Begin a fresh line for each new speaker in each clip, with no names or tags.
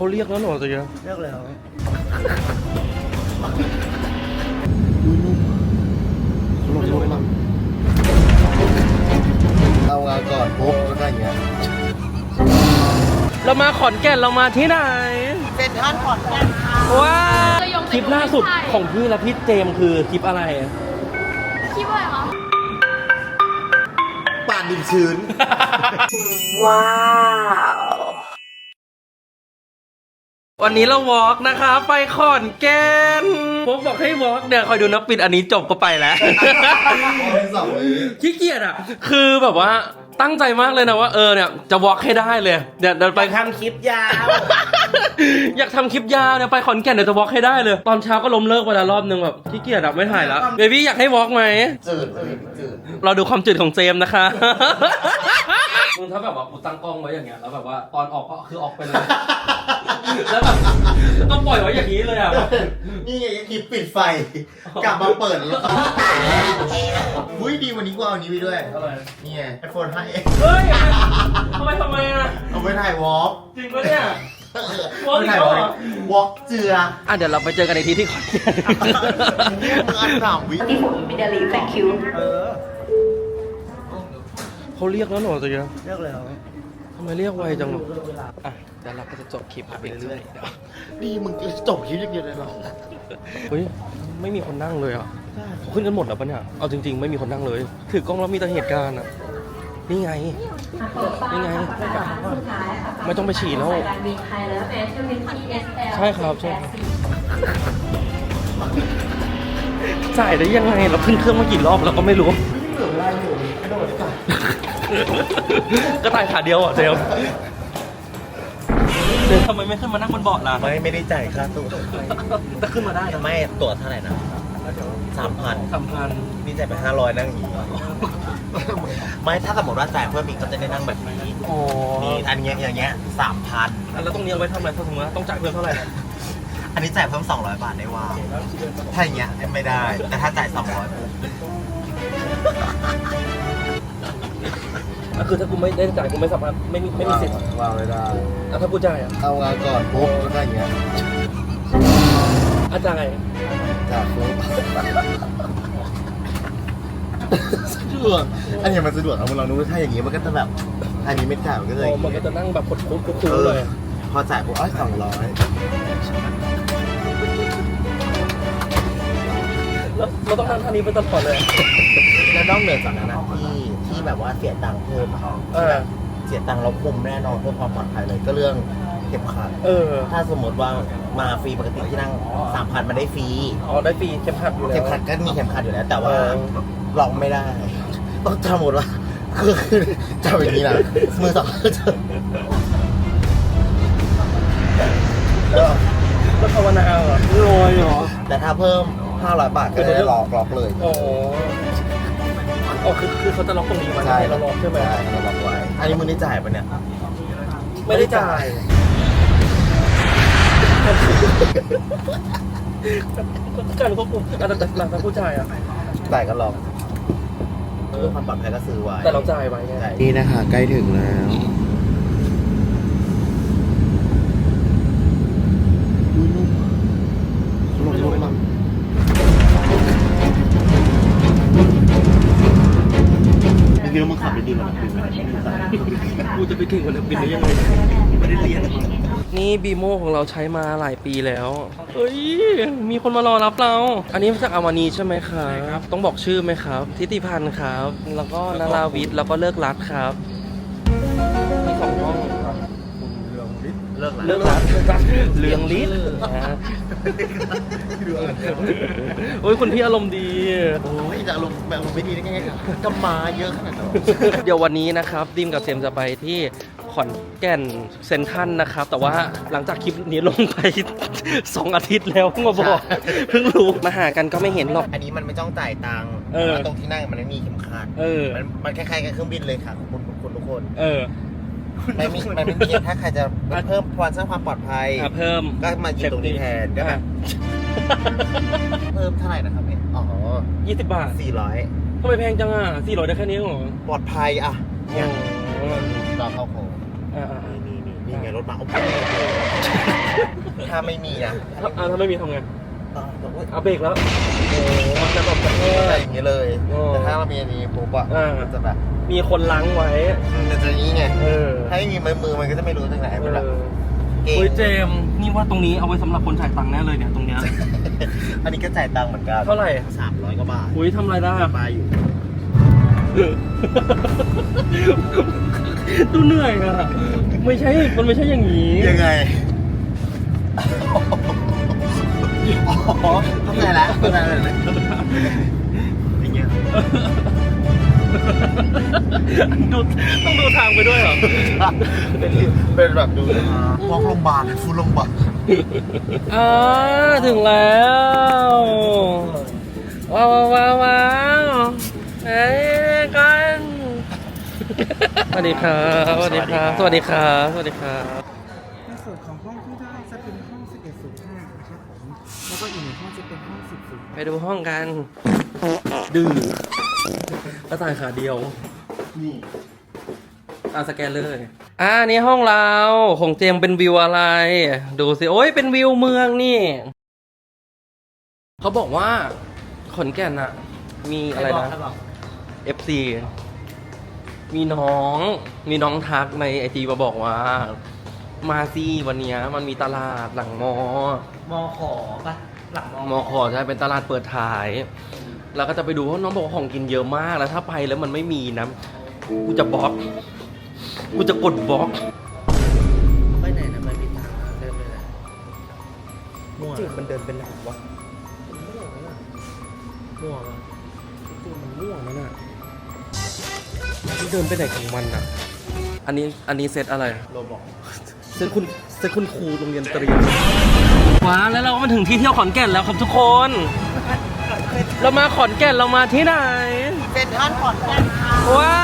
เขาเรียกแล้วเหรอตะเกียบ
เรียกแล้วเอางานก่อนปุ๊บแล้วก็อย่างเงี้ย
เรามาขอนแก่นเรามาที่ไหน
เป็นท่านขอนแก่นค่ะ
ว้าคลิปล่าสุดของพี่และพี่เจมคือคลิปอะไร
คลิปอะไรคะ
ป่านดินชื้น
ว้าว
วันนี้เราวอล์กนะคะไปขอนแก่นผมบอกให้วอล์กเนี่ยคอยดูนะปิดอันนี้จบก็ไปแล้วขี้เกียจอ่ะคือแบบว่าตั้งใจมากเลยนะว่าเนี่ยจะวอล์กให้ได้เลยเดี๋ยวไป
ทำคลิปยาว
อยากทำคลิปยาวเนี่ยไปขอนแก่นเดี๋ยวจะวอล์กให้ได้เลยตอนเช้าก็ล้มเลิกไปแล้วรอบนึงแบบขี้เกียจอะไม่ถ่ายแล้วเบบี้อยากให้วอล์กไหม
จืด
เราดูความจืดของเจมส์นะคะมึงถ้าแบบว่ากูตั้งกล้องไว้อย่างเงี้ยแล้วแบบว่าตอนออกก็คือออกไปเลยแล้วแบบต้องปล่อยไว้อย่างนี้เลยอ่ะ
นี่ไงคลิปปิดไฟกลับมาเปิดแล้วอุ้ยดีวันนี้กูเอาอันนี้ไปด้วย
อะไร
นี่ไง iPhone 5s
เฮ้ยทำไมอ่ะ
เอาไปถ่ายวอล์ก
จริงปะเนี่ยว
อล์กถ่ายวอล์กเจือ
เดี๋ยวเราไปเจอกันในที่ขอนแก่น
มึงอันถามวิ
ที่ผมมีดาลีแฟนคิว
เขาเรียกแล้วเหรอตะเกียบ
เรียกแล้ว
ทำไมเรียกไวจังเดี๋ยวเราก็จะจบคลิปไปเรื่อย
ๆนี่มึงจบคลิปอย่างเดียวเลยเหรอ
เฮ้ยไม่มีคนนั่งเลยอ่ะเขาขึ้นกันหมดแล้วปะเนี่ยเอาจริงๆไม่มีคนนั่งเลยถือกล้องแล้วมีแต่เหตุการณ์อ่ะนี่ไงไม่ต้องไปฉี่แล้วใช่ครับจ่ายได้ยังไงเราขึ้นเครื่องมากี่รอบเราก็ไม่รู้ก็ตายขาเดียวอ่ะเจมทำไมไม่ขึ้นมานั่งบนเบาะล่ะ
ไม่ได้จ่ายค่าตั๋ว
จะขึ้นมาได้นะ
ไม่ตั๋วเท่าไหร่นะ3,000นี่จ่ายไป500นั่งอีกไม่ถ้าสมมติว่าจ่ายเพิ่มอีกก็จะได้นั่งแบบนี้นี่อันนี้อย่างเงี้ย3,000
แล้วตรงนี้เอาไว้ทำอะไรถ้าสมมติว่าต้องจ่ายเพิ่มเท่าไหร่
อันนี้จ่ายเพิ่ม200 บาทได้ว่าถ้าอย่างเงี้ยไม่ได้แต่ถ้าจ่าย200
ก็คือถ้ากูไม่ได้จ่ายกูไม่สามารถไม่มีสิทธิ์
ว่าไม่ได้
ถ้ากูจ่าย
เอางานก่อนปุ๊บแล้วก็อย่างเงี้ย
อาจารย์
จ่ายปุ๊บสะดวกอันนี้มันสะดวกเอามึงลองดูถ้าอย่างงี้มันก็จะแบบอันนี้ไม่จ่ายมันก็เลย
มันก็จะนั่งแบบคุดเลย
พอจ่ายปุ๊บ200
เราต้องนั่งท่านี้ไปตลอดเลย
แล้วนอกเหนือจากนั้นนะที่แบบว่าเสียตังค์เพิ่มเสียตังค์เราคุมแน่นอนเพื่อความปลอดภัยเลยก็เรื่องเข็มขัดถ้าสมมติว่ามาฟรีปกติที่นั่ง 3,000 มันได้ฟรี
ได้ฟรีเข็มขัดอยู่แล้ว
เข็มขัดก็มีเข็มขัดอยู่แล้วแต่ว่าลองไม่ได้ต้องจำหมดว่าคือจำอย่างนี้นะมือสอง
แล้วภาวนาเหรอลอยเหรอ
แต่ถ้าเพิ่ม500 บาทก็ได้ล็อกเลย
คือเขาจะล็อกตรงนี้ไว้
ใช่
เราล็อกใช่ไหม
เราล็อกไว้อันนี้มึงได้จ่ายปะเนี่ย
ไม่ได้จ่ายการควบคุมแต่หลังจากผู้จ่าย
จ่ายก็ล็อกเพื่อความปลอดภัยก็ซื้อไว้
แต่เราจ่ายไว้ไง
นี่นะคะใกล้ถึงแล้วเดี๋ยวมึงขับไปดีกว่านักบินไหม
กูจะไปเก่งกว่านักบินได้ยังไงไม่ได้เรียนนี่บีโมของเราใช้มาหลายปีแล้วเฮ้ยมีคนมารอรับเราอันนี้มาจากอาวานีใช่ไหมครับต้องบอกชื่อไหมครับทิติพันธ์ครับแล้วก็นาราวิทย์แล้วก็เลิกรัดครับมี2 ห้องเลิกรัดเรืองฤทธิ์โอ้ยคุณพี่อารมณ์ดี
โอ้ยจะอารมณ์แบบไม่ดีได้ไงครับกำมาเยอะขนาดนั้น
เดี๋ยววันนี้นะครับดิมกับเซมจะไปที่ขอนแก่นเซ็นทรัลนะครับแต่ว่าหลังจากคลิปนี้ลงไป2 อาทิตย์แล้วเพิ่งมาบอกเพิ่งรู้มาหากันก็ไม่เห็นหรอก
อันนี้มันไม่ต้องจ่ายตังค์ตรงที่นั่งมันไม่มีเข็มขัดมันคล้ายๆกับเครื่องบินเลยค่ะคุณทุกคนมันไม่มีถ้าใครจะเพิ่มความสร้างความปลอดภัย
เพิ่ม
ก็มาอยู่ตรงนี้แทนก็แบบเพิ่มเท่าไหร่นะครับเนี่ย
20 บาท
400
ทำไมแพงจัง400ได้แค่นี้เหรอ
ปลอดภัยอย่างรอเข้าโค้งนี่ไงรถมาถ้าไม่มีนะ
ถ้าไม่มีทำไง
ต้อง
เอาเบรกแล้วโอ้มันจะแบบกระแท
อะไร
ก
อย่างเงี้ยเลย แต่ถ้าเรามีอันนี้ปุ๊บอะมันจะแบบ
มีคนล้างไว้
มันจะอย่างนี้ไง
เออ
ถ้าไม่มีมือมันก็จะไม่รู้ตรงไหนมันแบบเก่ง
เฮ้ยเจมส์นี่ว่าตรงนี้เอาไว้สำหรับคนจ่ายตังค์แน่เลยเนี่ยตรงเนี้ย
อันนี้ก็จ่ายตังค์เหมือนกัน
เท่าไหร่
300 กว่าบาท
อุ้ยทำอะไรได้อะ
บาอยู่
ดูเหนื่อยอะไม่ใช่ มันไม่ใช่อย่างนี้
ยังไง อ๋อเข้าใจแล้วเข้าใจแล้วอย่างเงี้ย
ดูต้องดูทางไปด้วยเหรอ
เป็นแบบดูพวกโรงพยาบาลฟูลโรงพยาบาล
ถึงแล้วว้าวว้าวว้าวเฮ้ยกันสวัสดีครับสวัสดีครับสวัสดีครับสวัสดีครับ
ในส่วนของห้องที่ได้จะเป็นห้อง 1105 นะครับผม แล้วก็อีกหนึ่งห้องจะเป็นห้อง 10
ไปดูห้องกัน ดื้อกระต่ายขาเดียว
นี่
สแกนเลยนี่ห้องเราของเจมส์เป็นวิวอะไร ดูสิ โอ้ยเป็นวิวเมืองนี่ เขาบอกว่าขอนแก่นอะมีอะไรนะ FC มีน้องทักในไอจีมาบอกว่า มาซีวันเนี้ยมันมีตลาดหลังมอ
มขอปะหลัง
มอขอใช่เป็นตลาดเปิดถ่าย แล้วก็จะไปดูเพราะน้องบอกว่าของกินเยอะมากแล้วถ้าไปแล้วมันไม่มีนะกูจะบล็อกกูจะกดบล็อก
ไปไหนนะไม่มีทางเดินไปไหนมั่ว
จริงมันเดินเป็นไหนวะ
มั่วปะ
จริงมันม่วงนั่นน่ะมันเดินไปไหนของมันอ่ะ อันนี้เซตอะไร
โรบอก
เซตคุณครูโรงเรียนเตรียมว้าแล้วเราก็มาถึงที่เที่ยวขอนแก่นแล้วครับทุกคน เรามาขอนแก่นเรามาที่ไหน
เซ็นทรัลขอนแก่นค่ะ
ว้า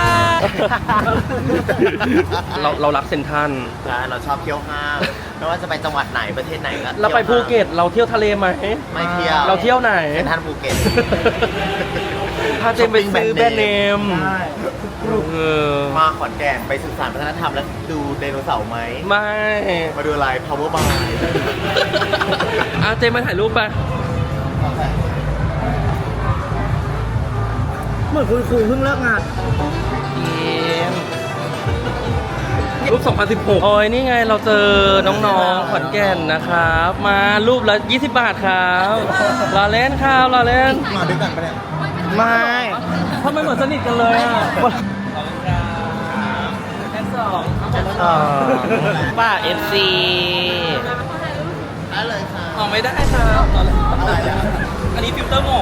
เรารักเซนทรัน
ใช่เราชอบเที่ยวห้างไม่ว่าจะไปจังหวัดไหนประเทศไหนก็
เราไปภูเก็ตเราเที่ยวทะเลไหม
ไม่เที่ยว
เราเที่ยวไหน
เซ็นทรัลภูเก็ต
พาเจมไปซื้อแบรนด์เนม
ใช่
เออ
มาขอนแก่นไปสื่อสารวัฒนธรรมแล้วดูไดโนเสาร์ไหม
ไม่
มาดูอะไร power by
เจมมาถ่ายรูปไป
เหมือนคุณครูเพิ่งเลิกงาน
รูป 2016 โอ้ยนี่ไงเราเจอน้องๆขอนแก่นนะครับ มารูปละ 20 บาทครับรอเล่นครับรอเล่น
มาด้วยกันปะเนี่ย
ไม่ทำไมเหมือนสนิทกันเลยอ่ะป้า FC
ได้เลยค่ะ
ออกไม่ได้ครับอันนี้ฟิลเตอร์หมก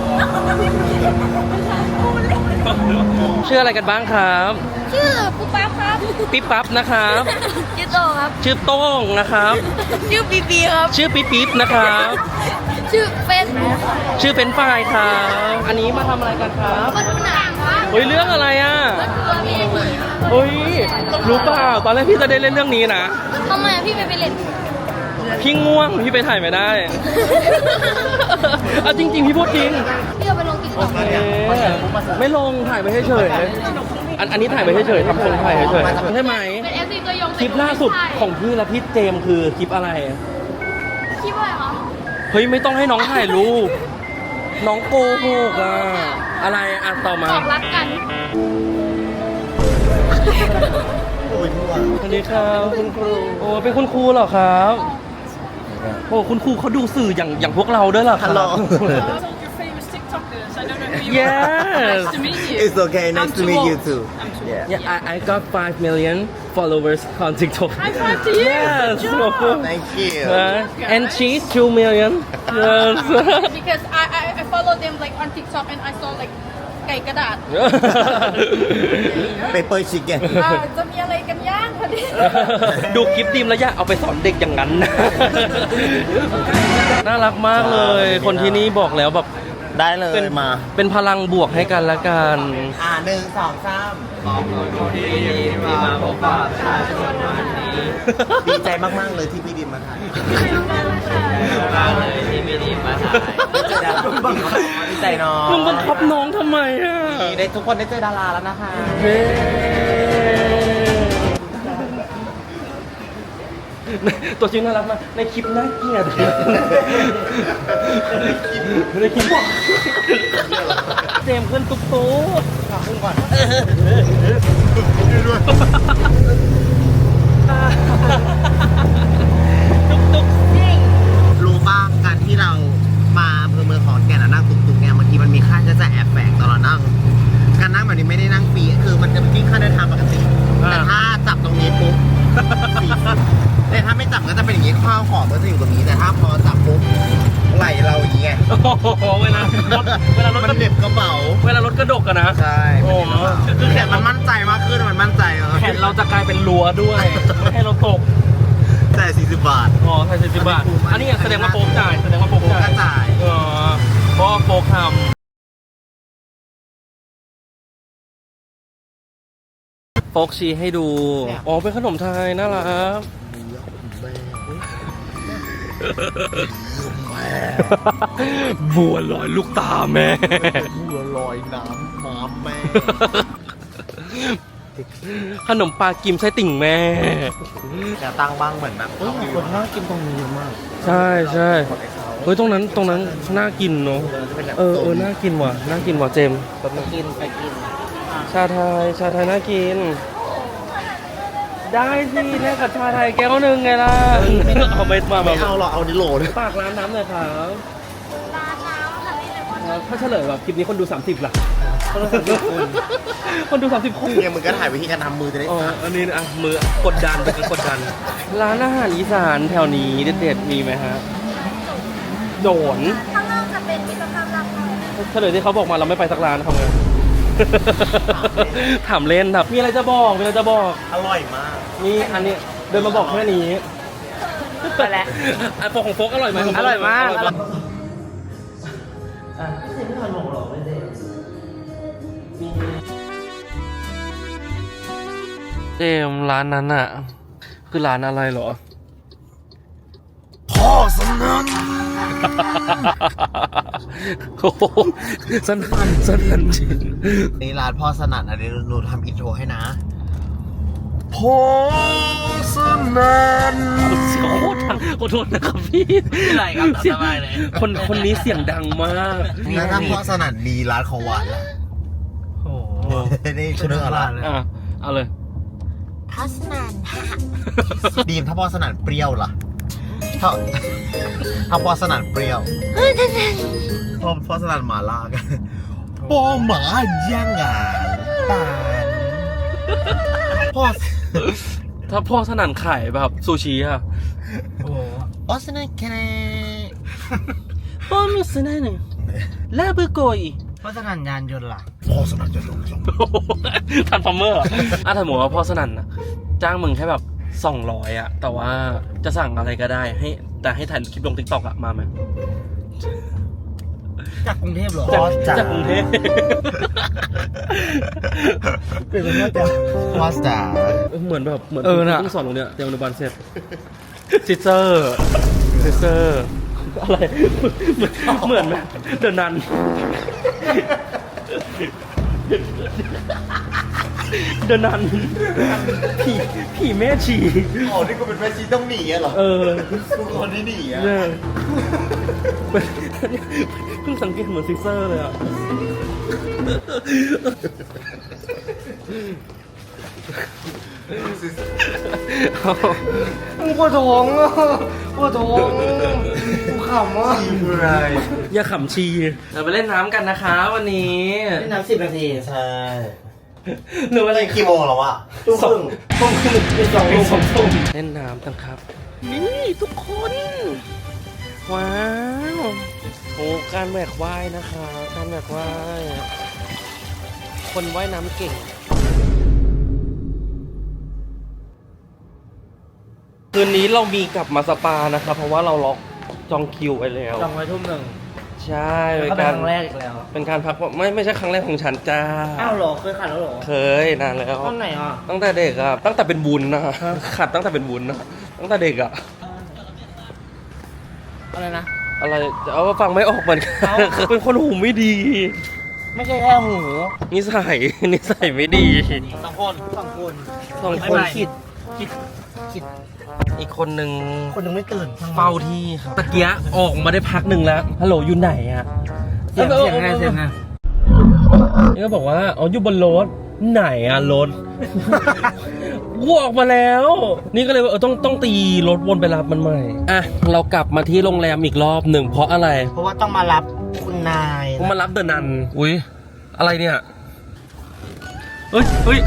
ชื่ออะไรกันบ้างครับ
ชื่อปุ๊บปั๊บครับ
ปิ๊บปั๊บนะครับ
ชื่อโตครับ
ชื่อโต้งนะครับ
ชื่อปีปีครับ
ชื่อปิ๊บปิ๊บนะครับ
ชื่อเป็น
ชื่อเป็นฝ่ายครับ อันนี้มาทำอะไรกันครับ
มาดูหนังครับ
เฮ้ยเรื่องอะไรอ่ะ
ตัวพี่
เฮ้ยรู้เปล่าตอนแรกพี่จะได้เล่นเรื่องนี้นะ
ทำไมพี่ไม่ไปเล่น
พี่ง่วงพี่ไปถ่ายไม่ได้จริงๆพี่พูดจริง
พี่เอาไปลงติ๊กต็อก
ไม่ลงถ่ายไปเฉยๆอันนี้ถ่ายไปเฉยๆทำคนถ่ายเฉยๆใช่ไหม
เป็น FC ตัวยง
คลิปล่าสุดของพี่และพี่เจมส์คือคลิปอะไร
คลิปอะไรคะ
เฮ้ยไม่ต้องให้น้องถ่ายรูปน้องโกหกอ่ะอะไรต่อมา
บอกรักกัน
โอ้ยทั่ว
สวัสดีครับคุณครูโอ้เป็นคุณครูเหรอครับโอ้คุณครูเขาดูสื่ออย่างพวกเราด้วยเหรอครับ
Hello
Your famous TikTokers. I don't know who you
Yes.
are. Nice to meet you.
It's okay nice to meet you too yeah
Yeah, I got 5 million followers on TikTok.
High five to you.
Yes,
Good
of course.
job.
thank you
And she's 2 million. Yes.
Because I follow them like on TikTok and I saw like ไก่กระดาษ
paper chicken
จะมีอะไรกันย่างพอดี
ดูคลิปดีมแล้วอย่าเอาไปสอนเด็กอย่างนั้นนะน่ารักมากเลย คนที่นี่บอกแล้วแบบ
ได้เลย
เป็น
มา
เป็นพลังบวกให้กันละกัน
1 2 3ดีใจมากๆเลยที่พี่ดิมมาถ่ายดีใจเนาะ
มึงบังคับน้องทำไมอ่ะ
ได้ทุกคนได้เจอดาราแล้วนะคะ
เฮ้ตัวจริงน่ารักมากในคลิปน่าเกลียดในคลิปเจมส์ขึ้นตุ๊กตุ๊ก
ถามก่อน
ตุ๊ก
รู้ป่ะการที่เรามาอำเภอเมืองขอนแก่นแล้วนั่งตุกๆเนี่ยบางทีมันมีค่าใช้จ่ายแอบแฝงตอนเรานั่ง การนั่งแบบนี้ไม่ได้นั่งฟรีคือมันจะคิดค่าเดินทางปกติ แต่ถ้าจับตรงนี้ปุ๊บฟรีแต่ถ้าไม่จับก็จะเป็นอย่างนี้ข้าวของก็จะอยู่ตรงนี้แต่ถ้าพอจับปุ๊บไหลเราอย่างเงี้ย
โอ้โหเวลารถ
มันเหน็บกระเป๋า
เวลารถกระดกอะนะ
ใช่
โอ้โห
คือแขนมันมั่นใจมากขึ้นมันมั่นใจ
แขนเราจะกลายเป็นรั้วด้วยไม่ให้เราตก
แต่40 บาท
อ๋อใช่40 บาทอันนี้แสดงว่าโป๊กจ่ายแสดงว่าโป๊ก
โป๊กก็จ่าย
อ๋อเพราะว่าโป๊กทำโป๊กชี้ให้ดูอ๋อเป็นขนมไทยน่ารักบัวลอยลูกตาแม่
บัวลอยน้ำม้าแม่
ขนมปลากิมไส้ติ่งแม่
จะตั้งบ้างเหมือนแบบคนน่ากินตรงนี้เยอะมาก
ใช่ใช่เฮ้ยตรงนั้นน่ากินเนาะน่ากินว่ะน่ากินว่ะเจมส์
ไปกิน
ชาไทยน่ากิน ได้สิแลกกับชาไทยแก้วนึงไงล่ะเอาไม่มา
ไม่เอาหรอกเอาดิโหลเลย
ฝากร้านน้ำหน่อยครับ
ร้านน้ำค่ะนี่เลยว่า
ถ้าเฉลยแบบคลิปนี้คนดู30ล่ะคนดู30คน
เนี่ยมึงก็ถ่ายวิธีการทำมือจะได้
อ๋ออันนี้อ่ะมือกดดันเป็นกดดัน ร้านอาหารอีสานแถวนี้เด็ดๆมีไหมฮะโดน
ข้างนอกจะเป็นมิตรภาพรักเลย
เฉลยที่เขาบอกมาเราไม่ไปสักร้านทำไง ถามเล่นครับมีอะไรจะบอก
อร่อยมาก
นี่อันนี้เดินมาบอกแค่นี้ไปแล้วโฟกของโฟกอร่อยไหม
อร่อยมาก
เจมส์ร้านนั้นอะคือร้านอะไรเหรอ
พ่อสนั่น
โอ้โหสนั่นจริง
นี่ร้านพ่อสนั่นอันนี้หนูทำอินโทรให้นะพ่อสนั่น
ขอโทษนะครับพี่อะไรครับสบายเลยคนนี้เสียงดังมาก
แล้วถ้าพ่อสนั่นมีร้านของหวานล่ะ
โอ้โห
นี่ชื่อเรื่องอะไร
อ่ะเอาเลย
พ่อสนั่นดีมถ้าพ่อสนั่นเปรี้ยวล่ะถ้าพ่อสนั่นเปรี้ยวพ่อสนั่นหมาล่ากันปอหมาย่างอ่ะตาพ่อ
ถ้าพ่อสนั่นขายแบบซูชิอะ
พ่อสนั่นแค่ไหน
พ่อมีสนั่นลาบุโกย
พ่อสนั่นยานยนต์ล่ะพ่อสนั่นจะลง
ทันฟอร์เมอร์ถ้าสมมติว่าพ่อสนั่นนะจ้างมึงแค่แบบ200อะแต่ว่าจะสั่งอะไรก็ได้แต่ให้ถ่ายคลิปลง TikTok อะมาไหม
จากกรุงเทพเหรอ
จากกรุงเทพ
เป็นเรื่องแต่พ่อจ๋า
เหมือนแบบเหมือน
น่ะ
เพิ่งสอนตรงเนี้ยเตรียมอนุบาลเสร็จซิสเตอร์อะไรเหมือนไหมเดินนันผีแม่ชี
อ๋อนี่กูเป็นแม่ชีต้องหนีอะเหรอกูคนที่หนีอะ
เนี่ยเพิ่งสังเกตเหมือนซิสเตอร์เลยอ่ะกูปวดท้องอ่ะกูขำอ่ะ
ชีคืออะไร
อย่าขำชีเราไปเล่นน้ำกันนะคะวันนี้
เล่นน้ำ10 นาทีใช่
หรืออะไร
กี่โมงแล้ววะ
ทุ่มครึ่งเป็น2 ทุ่มเล่นน้ำกันครับ นี่ทุกคน ว้าวโอ้การแหวกว่ายนะคะการแหวกว่ายคนว่ายน้ำเก่ง คืนนี้เรามีกลับมาสปานะคะเพราะว่าเราล็อกจองคิวไปแล้ว
จองไว้ทุ่มหนึ่ง
ใช่
แล้วก็เป็นครั้งแรกอีกแล้ว
เป็นการพักผ่อนไม่ใช่ครั้งแรกของฉันจ้า
อ้าวเหรอเคยขัดแล้วเหรอ
เคยนานแล้ว
ตอนไหนอ่ะ
ตั้งแต่เด็กอะตั้งแต่เป็นวุ้นนะขัดตั้งแต่เป็นวุ้นนะตั้งแต่เด็กอะ
อะไรนะ
อะไรจะเอาว่าฟังไม่ออกเหมือนกัน
เอ้า
เป็นคนหูไม่ดี
ไม่ใช่แค่หู
นิสัยไม่ดี
2 คน
2 คน
คิด
คิด
อีกคนหนึ่ง
คนยังไม่ตื่น
เฝ้าที่ครับตะเกียะออกมาได้พักหนึ่งแล้วฮัลโหลอยู่ไหนอะ
เสียงไง
นี่ก็บอกว่าอ๋ออยู่บนรถไหนอะรถ กูออกมาแล้ว นี่ก็เลยว่าต้องตีรถวนไปรับมันใหม่อ่ะเรากลับมาที่โรงแรมอีกรอบหนึ่งเพราะอะไร
เพราะว่าต้องมารับคุณนาย
ผมมารับเดอะนันอุ้ยอะไรเนี่ยเฮ้ย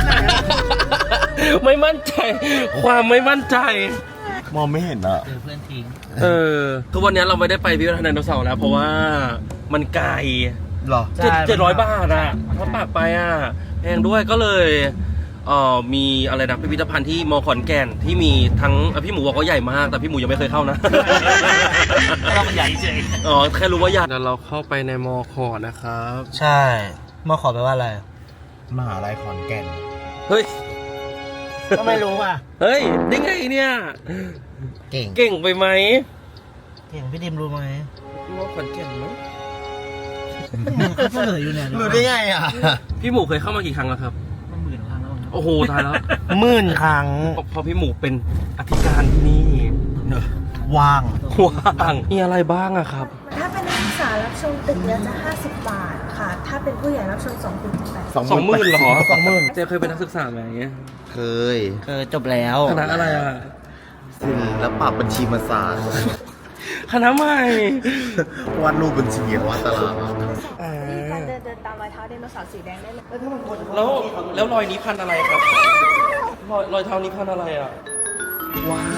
ไม่มั่นใจ ความไม่มั่นใจ
มองไม่เห็นอ่ะ
ทุกวันนี้เราไม่ได้ไปพิพิธภัณฑ์ไดโนเสาร์แล้วเพราะว่ามันไกล
หรอ
700 บาทอะถ้าปากไปอะแพงด้วยก็เลยมีอะไรนะพิพิธภัณฑ์ที่มอขอนแก่นที่มีทั้งพี่หมูบอกว่าใหญ่มากแต่พี่หมูยังไม่เคยเข้านะ
เราใหญ่เฉย
อ๋อแค่รู้ว่าใหญ่เราเข้าไปในมอขอนะครับ
ใช่มาขอแปลว่าอะไรมหาลัยขอนแก่น
เฮ้ย
ก็ไม่รู้อ่ะ
เฮ้ยได้ไงเนี่ย
เก่ง
เก่งไปไหม
เก่งพี่ดิมรู้ไหม
มอขอนแก่นมั้ง
เขาเฉลยอยู่เนี่ย
รู้ได้ไงอ่ะ
พี่หมูเคยเข้ามากี่ครั้งแล้วครับ
10,000 ครั้งแล้ว
โอ้โหตายแล้ว
10,000 ครั้ง
พอพี่หมูเป็นอธิการที่นี่
ว่าง
ว่างมีอะไรบ้างอะครับ
ถ้าเป็นนักศึกษารับชมตึกเดียวจะ 50 บาทค่ะ ถ้าเป็นผู้ใหญ่รับชม2 ตึกจะ80
20,000เหรอ
20,000
เจ๊เคยเป็นนักศึกษาไหม
เคยจบแล้ว
คณะอะไรอะ
ศิลปะบัญชีมาศาสตร์
คณะใหม่
วาดรูปบัญชีวาดตาราง
มีการเดินตามรอยเท้าไดโนเสาร์สีแดงได้เลย
แล้วรอยนี้พันอะไรครับ รอยเท้านี้พันอะไรอ่ะ ว้าว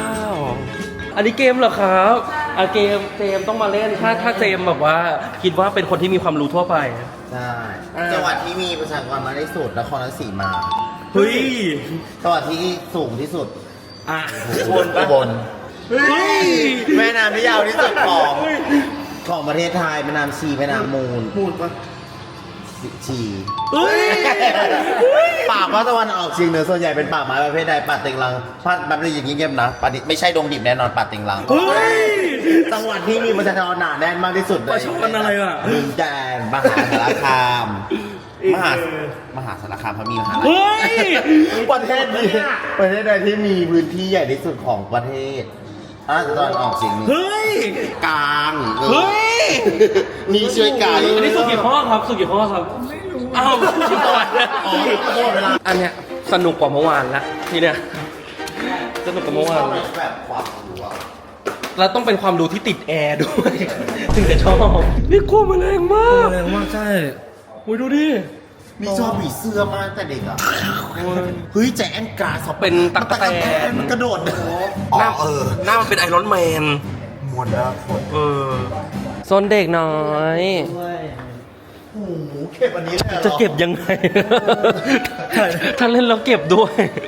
อันนี้เกมเหรอครับอ่ะเกมต้องมาเล่นถ้าเจมแบบว่าคิดว่าเป็นคนที่มีความรู้ทั่วไป
ใช่จังหวัดที่มีประชากรมากที่สุดนครราชสีมา
เฮ้ย
จังหวัดที่สูงที่สุด
อ่ะ
อุบลเฮ้ยแม่น้ำที่ยาวที่สุดของประเทศไทยแม่น้ำชีแม่น้ำมูลปะชี
เฮ้ย
ป่าภาคตะวันออกเฉียงเหนือส่วนใหญ่เป็นป่าไม้ประเภทใดป่าเต็งรังพัดแบบนี้อย่างเงียบๆนะป่าดิไม่ใช่ดงดิบแน่นอนป่าเต็งรัง
เฮ้ย
จังหวัดที่มีประชากรหนาแน่นมากที่สุด
ประชากรอะไรอ่ะ
ดินแดนมหาสารคามมหาสารคามเขามีมหา
เฮ้ย
ประเทศนี้ประเทศใดที่มีพื้นที่ใหญ่ที่สุดของประเทศภาคตะวันออกเฉียงเหนือ
เฮ้ย
กลาง
เฮ้ย
มีช่วยกลาง
อันนี้สุกี่ข้อครับสุกี่ข้อครับ ไม่รู้อ้าวสุกี่ข้อ
อ๋อเวลา
อันเนี้ยสนุกกว่าเมื่อวานละทีเนี้ยสนุกกว่าเมื่อวาน
แบบความรู้อะ
แล้วต้องเป็นความรู้ที่ติดแอร์ด้วย ถึงจะชอบนี่กลัวแมลงมาก
แรงมากใช่
โอ้ยดูดิ
นี่ชอบผีเสื้อมากแต่เด็กอ่ะเฮ้ยแจแอนกราส
เป็นตั๊กแตน
มันกระโดด
หน้าหน้ามันเป็นไอรอนแมน
มวนนะ
โซนเด็กน้อย
โอ้โหเก็บอันนี้เลยเหรอ
จะเก็บยังไง ถ้าเล่นแล้วเก็บด้วย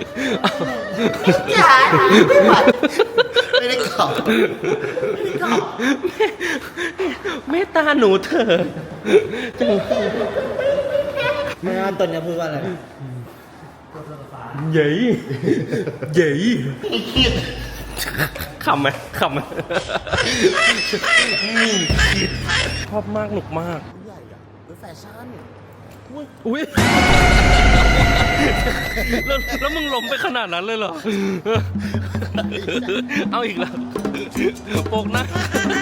ไม่ได้ขับ
เมตตาหนูเถอะจัง
งานตัวนี้พูดว่าอะไร
เย้ยเย้ยขำไหมขำไหมชอบมากหนุกมาก
แฟชั่น
อุ้ยแล้วมึงล้มไปขนาดนั้นเลยเหรอ เอาอีกแล้วโปกนั่ง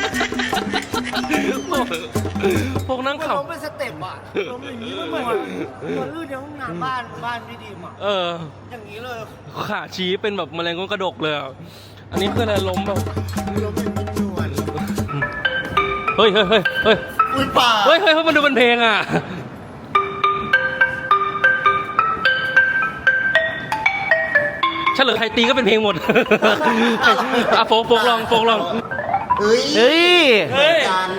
โปกนั่ง
มัน
ขับ
ล้มเป็นสเต็ปอ่ะล้มอย่างนี้มันเหมือนตัวลื่นในห้องน้ำบ้านพี่ดีมอ่ะ อย่างนี้เลย
ขาชี้เป็นแบบแมลงก้นกระดกเลยอะอันนี้คืออะไรล้มแบบ
ล้มเป็นนวล
เฮ้ย
อุ้ยป่า
เฮ้ยมันดูเป็นเพลงอ่ะ เฉลยใครตีก็เป็นเพลงหมด อ่ะโฟกลอง
เฮ้ย
เฮ้ย
กัน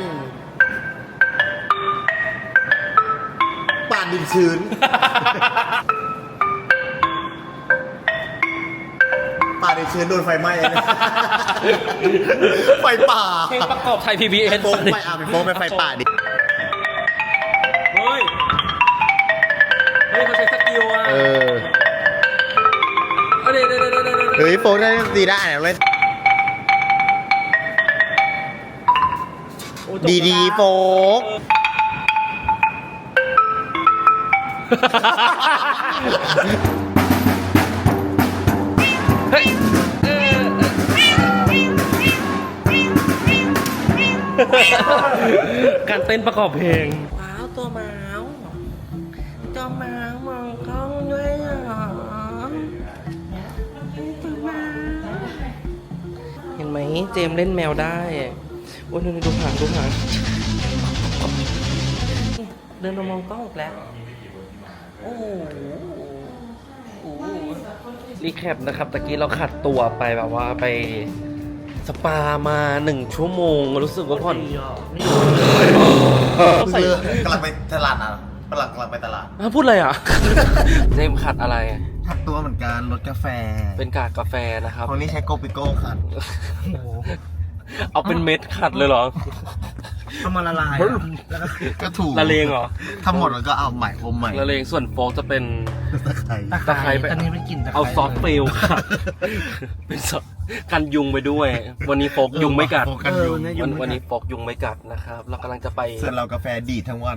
ป่าดินชื้น ป่าดินชื้นโดนไฟไหม้เลยไฟป่า
เพลงประกอบไทย PBS
โฟกไปเป็นโฟกไปไฟป่าดิ
เฮ้ยเขาใช้สกิลอ่ะ เดี๋ยว
เฮ้ยโฟกได้ตีได้เล่นดีๆโฟก
เฮ้การเต้นประกอบเพลงว้าวตัวเมาส์ตัวเมาส์มองกล้องด้วยเหรอตัวเมาส์เห็นไหมเจมส์เล่นแมวได้โอ้ยดูหางดูหางเดินมามองกล้องอีกแล้วโอ้โหรีแคปนะครับตะกี้เราขัดตัวไปแบบว่าไปสปามา1 ชั่วโมงรู้สึกว่าผ่อน
ใส่กำลังไปตลาดนะกำลังไปตลาด
พูดอะไรอ่ะ เจมส์ขัดอะไร
ทักตัวเหมือนกันรสกาแฟ
เป็นกากกาแฟนะครับ
คนนี้ใช้โกปิโก้ขัด
เอาเป็นเม็ดขัดเลยเหรอ
ทำมาละลายแล้วก็ถูก
ละเลงเหรอ
ทั้งหมดแล้วก็เอาใหม่อมใหม่
ละเลงส่วนโฟกจะเป็น
ตะไคร้
ตะไคร้ไป
ตอนนี้เป็นกลิ่นตะไคร้
เอาซอสเฟลขัด เป็นซอสกันยุงไปด้วย วันนี้โฟกยุงไม่กัด
กันยุง
วันนี้โฟกยุงไม่กัดนะครับ เรากำลังจะไป
ส่วนเรากาแฟดีดทั้งวัน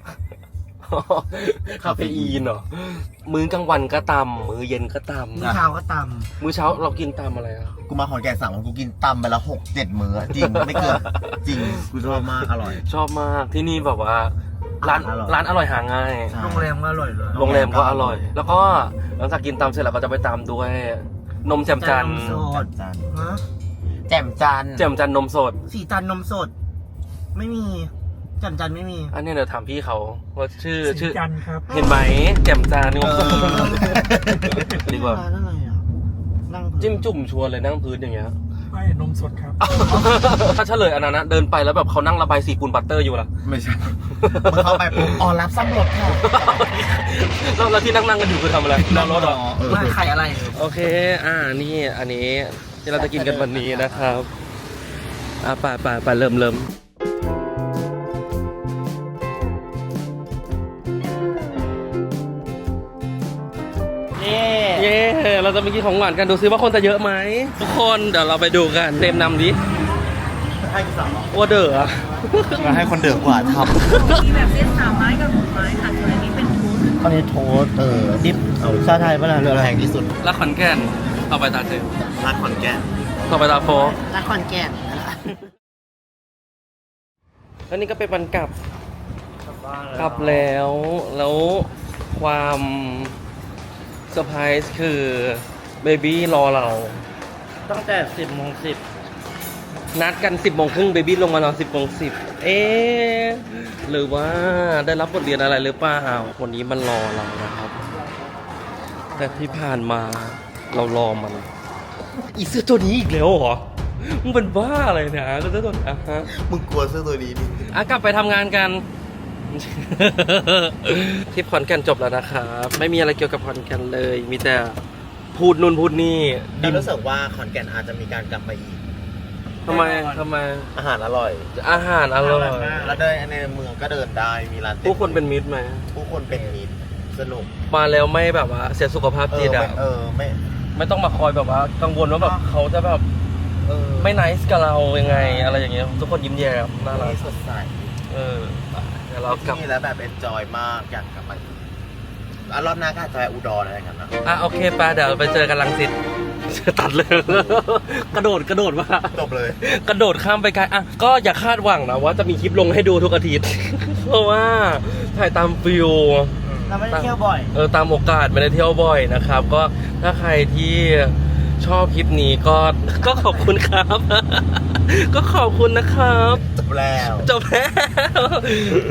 คาเฟอีนเหรอ มื้อกลางวันก็ตำมื้อเย็นก็ต
มื้อเช้าก็ต
ำมื้อเช้าเรากินตำอะไรอ่ะ
ำกูมาขอนแก่น3 วันกูกินตำไปละ6-7 มื้อจริงไม่เกินจริงกูชอบมากอร่อย
ชอบมากที่นี่แบบว่า ร้าน
อร่อย
ร้านอร่อยหาง่าย
โรงแรมก็อร่อยเลย
โรงแรมก็อร่อย แล้วก็หลังจากกินตำเสร็จเราก็จะไปตามด้วยนมแจ่มจันทร์
แจ่มจันทร์
แจ่มจันทร์นมสด
สีจันทร์นมสด ไม่มีแจ่มจันทร์ไม่มี
อันนี้เดี๋ยวถามพี่เขาว่าชื่อ
จันทร์ครับ
เห็นไหมแจ่มจันทร์นมสดดีกว่า
ร้านอะไรอ่ะนั่งพื้น
จิ้มจุ่มชวนเลยนั่งพื้นอย่างเงี้ย
ไม่นมสดครับ
ถ้าเฉลยอันนั้นนะเดินไปแล้วแบบเขานั่งระบายสีปูนบัตเตอร์อยู่ล่ะ
ไม่ใช่มึงเข้าไปปุ๊บอ๋อรับซ้ำรถค่ะ
แล้วที่นั่งกันอยู่คือทำอะไรนั่งรถเหรอ
ไม่ใครอะไร
โอเคนี่อันนี้ที่เราจะกินกันวันนี้นะครับไปเริ่มเย้เราจะไปกินของหวานกันดูซิว่าคนจะเยอะไหมทุกคนเดี๋ยวเราไปดูกันเต็มนำดิ
ให้กูสั่ง
ว่าเด้อ
มาให้คนเดือกกว่าท
มีแบบเส้น3 ไม้กับ6 ไม้ค่ะส่วนอันนี้เป็นทูส
ำข้าวเหนียวโทสต์ดิฟเอาชาไทยป่ะล่ะเรือแรงที่สุด
แล้วขอนแก่นต่อไปตาเจม
ร้านขอนแก่น
ต่อไปตาโฟ
ร้านขอนแก่น
แล้วนี่ก็เป็นวันกลับแล้วความเซอร์ไพรส์คือเบบี้รอเรา
ตั้งแต่ 10:10
นัดกัน 10 โมงครึ่งเบบี้ลงมานอน 10 โมง 10หรือว่าได้รับบทเรียนอะไรหรือเปล่าวันนี้มันรอเรานะครับ แต่ที่ผ่านมาเรารอมัน อีเสื้อตัวนี้อีกแล้วเหรอ มึงเป็นบ้าอะไรเนี่ยก็เสื้อตัวนี้ฮะ
มึงกลัวเสื้อตัวนี้ดิ
กลับไปทำงานกัน ทริปขอนแก่นจบแล้วนะครับ ไม่มีอะไรเกี่ยวกับขอนแก่นเลย มีแต่พูดนู่นพูดนี่
ดิรู้สึกว่าขอนแก่นอาจจะมีการกลับมาอีก
ทำไม
อาหารอร่อย
อาหารอร่อย
แล้วเดินในเมืองก็เดินได้มีร้านเต็ม
ผู้คนเป็นมิตรไหม
ผู้คนเป็นมิตรสนุก
มาแล้วไม่แบบว่าเสียสุขภาพจิตอ่ะ
ไม่
ไม่ต้องมาคอยแบบว่า กังวลว่าแบบเขาจะแบบไม่ไนส์กับเรายังไง อะไรอย่างเงี้ยทุกคนยิ้มแย้มน่ารัก
สดใส
เดี๋ยวเรากลับ
ที่นี่แล้วแบบเอนจอยมากอยากกลับมาอีกแล้วรอบหน้าก็อาจจะไปอุดรอะไรกันนะ
โอเคไปเดี๋ยวไปเจอกันรังสิตตัดเลย กระโดดว่า
จบเลย
กระโดดข้ามไปไกลก็อย่าคาดหวังนะว่าจะมีคลิปลงให้ดูทุกอาทิตย์ เพราะว่าถ่ายตามฟิล
เราไม่ได้เที่ยวบ่อย
ตามโอกาสไม่ได้เที่ยวบ่อยนะครับ ก็ถ้าใครที่ชอบคลิปนี้ก็ขอบคุณครับ ก็ขอบคุณนะครับ
จบแล้ว
จบแล้ว